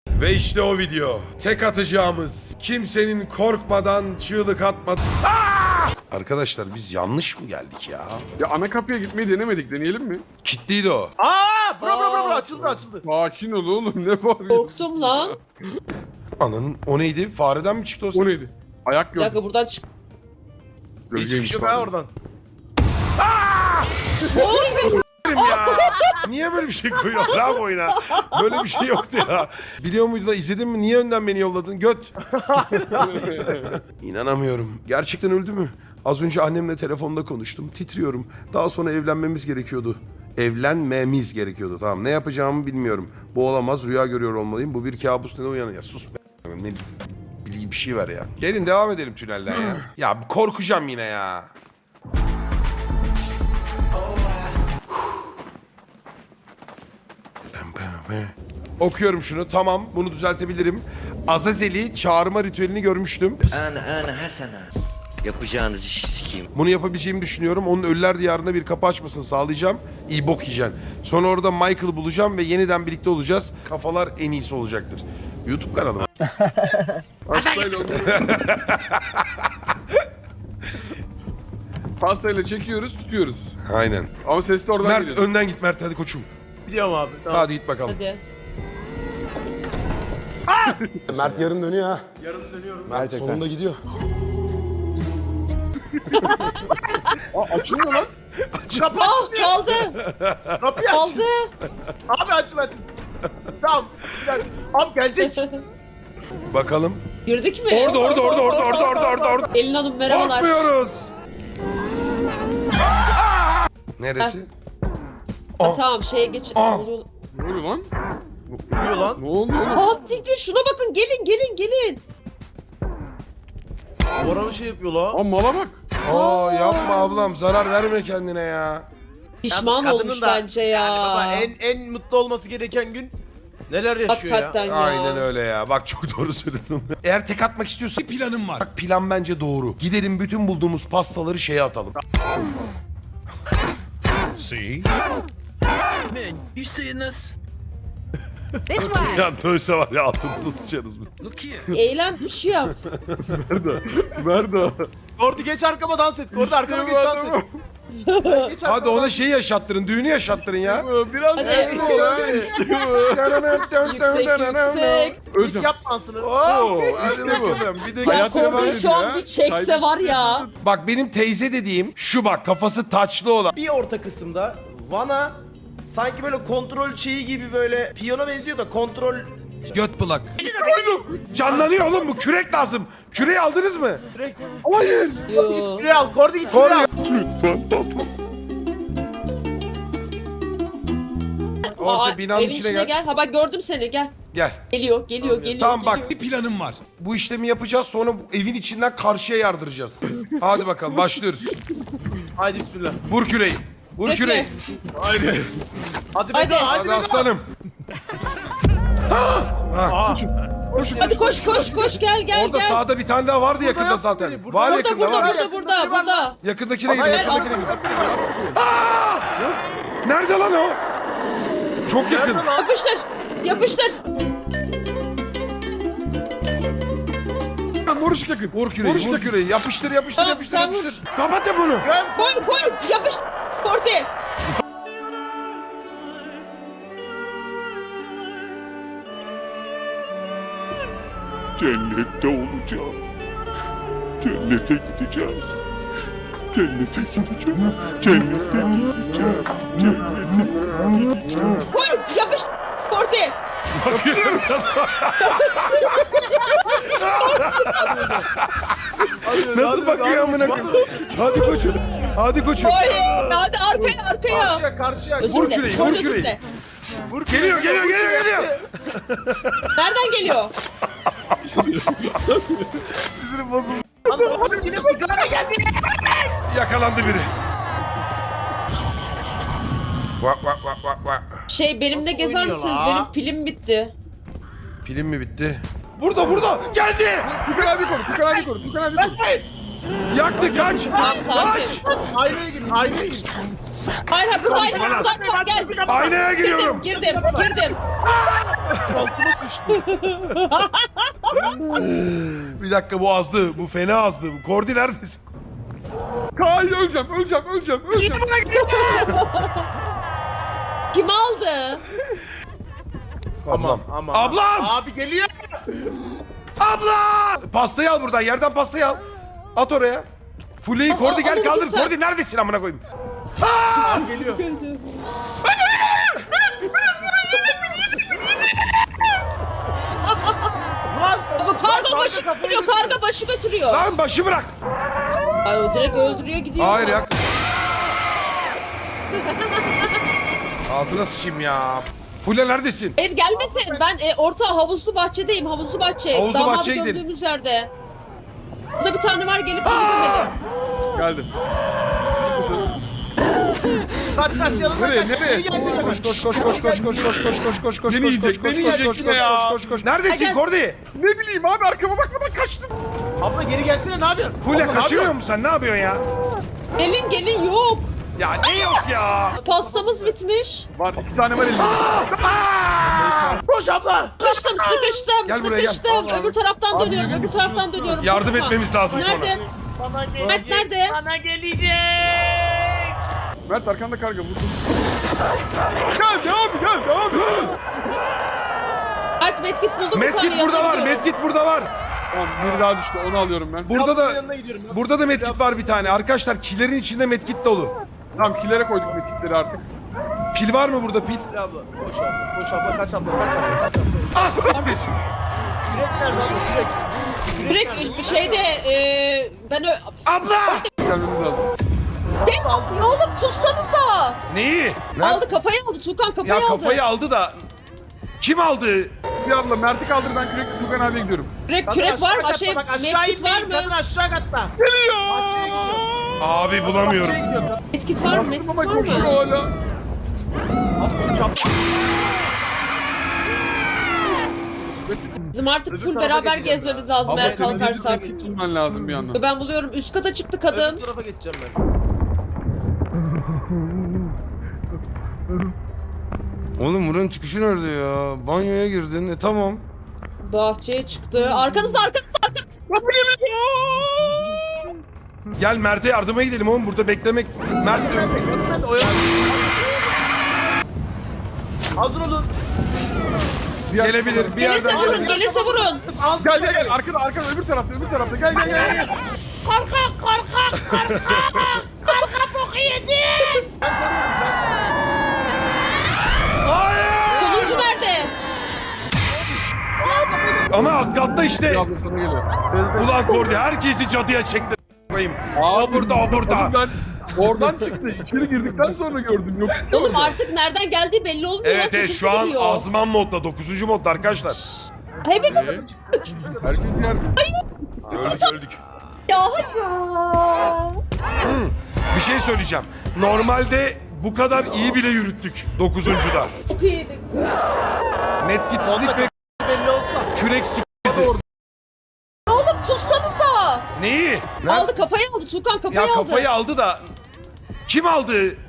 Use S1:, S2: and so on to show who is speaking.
S1: Ve işte o video. Tek atacağımız. Kimsenin korkmadan çığlık atmadan. Arkadaşlar biz yanlış mı geldik ya?
S2: Ya ana kapıya gitmeyi denemedik. Deneyelim mi?
S1: Kitliydi o.
S3: Bro açıldı.
S2: Sakin ol oğlum. Ne bağırıyorsun?
S4: Korktum lan.
S1: Ananın o neydi? Fareden mi çıktı o ses?
S2: O neydi? Ayak
S4: Bir
S2: gördüm.
S4: dakika buradan çık.
S2: Gölgeymiş
S3: Çık
S2: pardon.
S3: ha oradan.
S1: Ya. Niye böyle bir şey koyuyor lan bu oyuna? Böyle bir şey yoktu ya. Biliyor muydun da izledin mi? Niye önden beni yolladın? Göt. İnanamıyorum. Gerçekten öldü mü? Az önce annemle telefonda konuştum. Titriyorum. Daha sonra evlenmemiz gerekiyordu. Evlenmemiz gerekiyordu. Tamam, ne yapacağımı bilmiyorum. Bu olamaz. Rüya görüyor olmalıyım. Bu bir kabus, ne uyanıyor? Ya sus be. Ne bileyim, bir şey ver ya. Gelin devam edelim tünelden ya. Ya korkacağım yine ya. Okuyorum şunu. Tamam, bunu düzeltebilirim. Azazel'i çağırma ritüelini görmüştüm.
S5: Ana Hasan'a. Yapacağınız işi sikeyim.
S1: Bunu yapabileceğimi düşünüyorum. Onun Ölüler Diyarı'nda bir kapı açmasını sağlayacağım. İyi bok yiyeceksin. Sonra orada Michael'ı bulacağım ve yeniden birlikte olacağız. Kafalar en iyisi olacaktır. YouTube kanalım.
S2: Pastayla onu. Pastayla çekiyoruz, tutuyoruz.
S1: Aynen.
S2: Ama ses de oradan
S1: Mert
S2: geliyor.
S1: önden git Mert, hadi koçum.
S3: Biliyorum abi. Tamam.
S1: Hadi git bakalım.
S4: Hadi.
S1: Mert yarın dönüyor ha.
S3: Yarın dönüyorum.
S1: Mert sonunda gidiyor.
S2: Açılmıyor lan.
S3: Kapı
S4: Al
S3: açılıyor.
S4: kaldı.
S3: Kapıyı aç.
S4: Kaldı.
S3: Abi açıl. Tamam. Bir dakika. Abi gelecek.
S1: Bakalım.
S4: Girdik mi?
S1: Orada.
S4: Elin Hanım merhabalar.
S1: Korkmuyoruz. Neresi?
S4: Ha, tamam şeye geç.
S1: Aa.
S4: Ne oluyor?
S2: Ne oluyor lan?
S3: Biliyor lan.
S2: Ne oldu oğlum?
S4: Aa siktir şuna bakın gelin.
S3: Oranı şey yapıyor la.
S2: Aa mala bak.
S1: Aa yapma ablam, zarar verme kendine ya.
S4: Pişman
S3: Kadının
S4: olmuş
S3: da
S4: bence ya.
S3: Yani baba en mutlu olması gereken gün neler yaşıyor
S4: Hakikaten
S3: ya.
S4: ya.
S1: Aynen öyle ya. Bak çok doğru söyledin. Eğer tek atmak istiyorsan bir planım var. Bak plan bence doğru. Gidelim bütün bulduğumuz pastaları şeye atalım. See?
S6: Man, you seeing this?
S1: Ya dövse var ya, altımıza sıçarız mı?
S6: Look here.
S4: Eğlen bir şey yap.
S2: Nerede?
S3: Kordi geç arkama dans et. Kordi arkama geç dans et. Geç
S1: Hadi
S3: arkama
S1: ona
S3: dans
S1: şeyi yaşattırın, düğünü yaşattırın ya.
S2: Biraz
S4: Hadi.
S2: eğri ol ha.
S4: Yüksek.
S3: et. İlk
S2: Öleceğim.
S3: yap dansını.
S1: Oo,
S2: İşte
S1: işte
S2: bu.
S1: bakalım. Bir de
S4: Ya
S2: Hayatına
S4: Kordi
S2: benziyor
S4: şu an
S2: ya.
S4: bir çekse var ya.
S1: Bak benim teyze dediğim şu, bak kafası taçlı olan.
S3: Bir orta kısımda Van'a sanki böyle kontrol şeyi gibi böyle piyano benziyor da kontrol
S1: Göt plak. Canlanıyor oğlum, bu kürek lazım. Küreği aldınız mı?
S3: sürekli.
S1: Hayır.
S4: Yo.
S3: Küre al. Kordi git
S1: Kordi.
S3: küre al.
S2: Lütfen patron.
S1: Orta
S4: Aa,
S1: binanın
S4: evin
S1: içine gel.
S4: Ha bak gördüm seni gel.
S1: Gel.
S4: Geliyor.
S1: Tamam bak, bir planım var. Bu işlemi yapacağız, sonra bu evin içinden karşıya yardıracağız. Hadi bakalım başlıyoruz.
S3: Haydi bismillah.
S1: Vur küreği. Vur
S4: Peki.
S1: küreği.
S3: Hadi
S4: Hadi.
S3: Hadi.
S1: Hadi aslanım.
S4: Hadi koş gel
S1: Orada
S4: gel.
S1: sağda bir tane daha vardı yakında
S3: yok
S1: zaten.
S3: biri,
S1: Var
S4: Burada
S1: yakında var.
S4: burada.
S1: Yakındakine gidin,
S3: Hayır,
S1: yakındakine gidin. Nerede lan o? Çok yakın.
S4: Yapıştır.
S2: Mor ışık yakın.
S1: Vur küreği, vur küreği. Yapıştır.
S4: Tamam, sen vur.
S1: Kapat da bunu.
S4: Koy yapıştır. Kordi.
S2: Cennette olacağım. Cennete gideceğim. Cennete gideceğim. Cennete gideceğim. Cennete gideceğim.
S4: Koy yapıştır. Kordi.
S1: Bakıyorum. Nasıl bakıyor amına koyayım? Hadi koçum. Hadi koçum.
S4: Koy. Hadi arkaya.
S3: Karşıya.
S4: Özür
S1: Vur
S4: dilerim,
S1: küreği,
S4: Kordi
S1: vur
S4: özür
S1: küreği.
S4: dilerim.
S1: Geliyor.
S4: Nereden geliyor?
S1: Sinirim bozuldu.
S3: Hadi yine bak. Geldi.
S1: Yakalandı biri. Vak.
S4: Benimle gezer
S3: oynuyor
S4: misiniz?
S3: la?
S4: Benim pilim bitti.
S1: Pilim mi bitti? Burada. Geldi.
S2: Tukan abi koru.
S1: Yaktı kaç.
S4: Tamam sakin.
S1: Kaç.
S3: Aynaya gir, aynaya gir.
S4: Hayır hayır burada
S1: Konuşma
S4: ayna
S1: lan.
S4: var gel.
S1: Aynaya giriyorum.
S4: Girdim.
S1: Bir dakika bu azdı. Bu fena azdı. Kordi neredesin?
S2: Kaan öleceğim.
S4: Kim aldı?
S1: Ablam.
S3: Ama.
S1: Ablam!
S3: Abi geliyor.
S1: Abla! Pastayı al buradan. Yerden pastayı al. At oraya. Fuleyi Kordi gel
S4: alır
S1: kaldır.
S4: mısın?
S1: Kordi neredesin amına koyayım?
S3: Abi geliyor. Lan.
S4: Bu karga başı
S3: kafayı
S4: götürüyor. Karga başı götürüyor.
S1: Lan başı bırak.
S4: Ay o direkt öldürüyor gidiyor.
S1: Hayır ya. Ağzına sıçayım ya. Fule neredesin?
S4: Hayır gelmesin. Ben orta havuzlu bahçedeyim. Havuzlu bahçe.
S1: Havuzlu
S4: Damadı
S1: bahçeye gidelim.
S4: gördüğümüz yerde. Burada bir tane var gelip öldürmedi.
S2: Geldim.
S3: Kaç yanına
S2: Nereye,
S3: kaç.
S2: nereye?
S3: Geri gelecek.
S2: Beni yiyecek, beni yiyecek yine ya.
S1: Neredesin
S4: Gel.
S1: Kordi?
S2: Ne bileyim abi arkama bakmadan kaçtım.
S3: Abla geri gelsene ne yapıyorsun?
S1: Fule
S3: Abla, ne
S1: kaçırıyor
S3: yapıyorsun?
S1: musun sen? Ne yapıyorsun ya?
S4: Gelin yok.
S1: Ya ne yok ya?
S4: Pastamız bitmiş.
S2: Var 2 tane var elimde.
S3: Koş abla.
S4: Sıkıştım.
S1: Gel buraya, gel.
S4: Öbür taraftan
S2: Abi,
S4: dönüyorum.
S2: yürü,
S4: Öbür taraftan dönüyorum.
S1: Yardım
S4: Korkma.
S1: etmemiz lazım sonra.
S4: Nerede?
S3: Bana gelecek.
S4: Mert nerede?
S3: Bana gelecek.
S2: Mert arkanda karga vurdum. Geldi abi.
S4: Mert medkit buldum.
S1: Medkit burada var. Medkit burada var.
S2: Tamam biri daha düştü onu alıyorum ben.
S1: Burada
S3: Ablanın
S1: da
S3: yanına gidiyorum ya.
S1: burada da medkit var bir tane. Arkadaşlar killerin içinde medkit dolu.
S2: Tamam kilere koyduk metikleri artık.
S1: Pil var mı burada pil?
S3: Abla. Koş abla. Koş abla. Kaç abla. Kaç abla. Kaç abla.
S1: Ah siktir.
S3: Yürek nerede abla? Yürek.
S4: Direkt bir şeyde ben
S1: Abla!
S2: Gelmemiz lazım.
S4: Ne oğlum tutsanıza.
S1: Neyi?
S4: Aldı kafayı aldı. Tukan kafayı
S1: Ya
S4: aldı.
S1: kafayı aldı da kim aldı?
S2: Bir abla Mert'i kaldır ben kürekli Tugan abiye gidiyorum.
S4: Kürek var mı?
S3: Aşağı
S4: Şey,
S3: katta, bak, aşağı
S4: medkit var
S3: inmeyin.
S4: mı?
S3: Kadın aşağı katta.
S1: Abi bulamıyorum.
S3: Bahçeye gidiyor kadın.
S4: Medkit var mı?
S2: Bastım
S4: Medkit
S2: ama
S4: var
S2: koşuyor
S4: mı?
S2: hala.
S3: Abla, şu
S4: Bizim artık
S3: Öbür
S4: full
S3: tarafa
S4: beraber
S3: geçeceğim
S4: gezmemiz
S3: ya.
S4: lazım
S2: Abla
S4: eğer
S2: senin
S4: kalkarsak.
S2: medkit bulman lazım bir yandan.
S4: Ben buluyorum. Üst kata çıktı kadın.
S3: Öbür tarafa geçeceğim ben.
S1: Oğlum buranın çıkışı nerede ya? Banyoya girdin. Tamam.
S4: Bahçeye çıktı. Arkanızda.
S1: Gel Mert'e yardıma gidelim oğlum. Burada beklemek. Mert diyor.
S3: Ben de oyalan. Hazır olun.
S1: Gelebilir. Bir
S4: Gelirse
S1: yerden
S4: vurun.
S1: gelebilir.
S4: Gelirse vurun.
S2: Gel arkada öbür tarafta gel.
S1: Hayır!
S4: Sonuncu nerede?
S1: Ama alt katta işte.
S2: Bir abla sana geliyor.
S1: Ulan Kordi herkesi cadıya çekti. Koyayım. O burada.
S2: Oğlum ben oradan çıktı. İçeri girdikten sonra gördüm. Yok.
S4: Oğlum artık nereden geldiği belli olmuyor.
S1: Evet
S4: Çocuk
S1: şu an
S4: geliyor.
S1: azman modda. 9. modda arkadaşlar.
S4: Hepimiz
S2: Herkes yerde.
S1: Öldük.
S4: ya hayır.
S1: Bir şey söyleyeceğim. Normalde bu kadar iyi bile yürüttük 9'uncuda.
S4: Çok iyiydik.
S1: Metkitsizlik ve
S3: Belli olsa.
S1: kürek s***si.
S4: Oğlum tutsanıza.
S1: Neyi?
S4: Aldı kafayı aldı. Tukan kafayı
S1: Ya
S4: aldı.
S1: kafayı aldı da kim aldı?